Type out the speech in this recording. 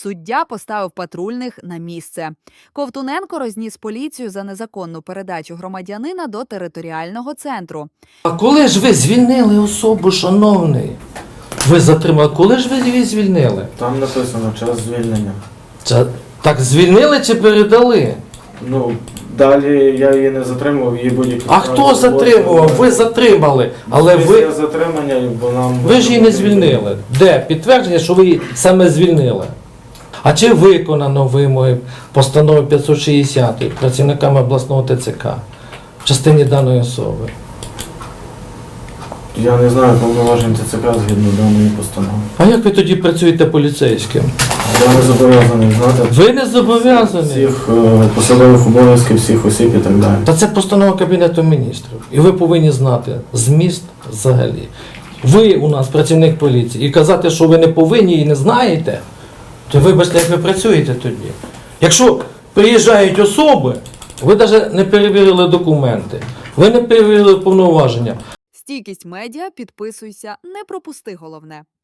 Суддя поставив патрульних на місце. Ковтуненко розніс поліцію за незаконну передачу громадянина до територіального центру. А коли ж ви звільнили особу, шановний? Ви затримали, коли ж ви її звільнили? Там написано час звільнення. Так звільнили чи передали? Ну, далі я її не затримував, її будь-які. А хто затримував? Ви затримали. Але Після ви затримання, бо нам... ж її не звільнили. Де? Підтвердження, що ви її саме звільнили. А чи виконано вимоги постанови 560 працівниками обласного ТЦК в частині даної особи? Я не знаю повноважень ТЦК згідно даної постанови. А як ви тоді працюєте поліцейським? Я не зобов'язаний знати Ви не зобов'язані. всіх посадових обов'язків, всіх осіб і так далі. Та це постанова Кабінету міністрів. І ви повинні знати зміст взагалі. Ви у нас працівник поліції. І казати, що ви не повинні і не знаєте, то вибачте, як ви працюєте тоді. Якщо приїжджають особи, ви навіть не перевірили документи, ви не перевірили повноваження. Стійкість медіа, підписуйся, не пропусти головне.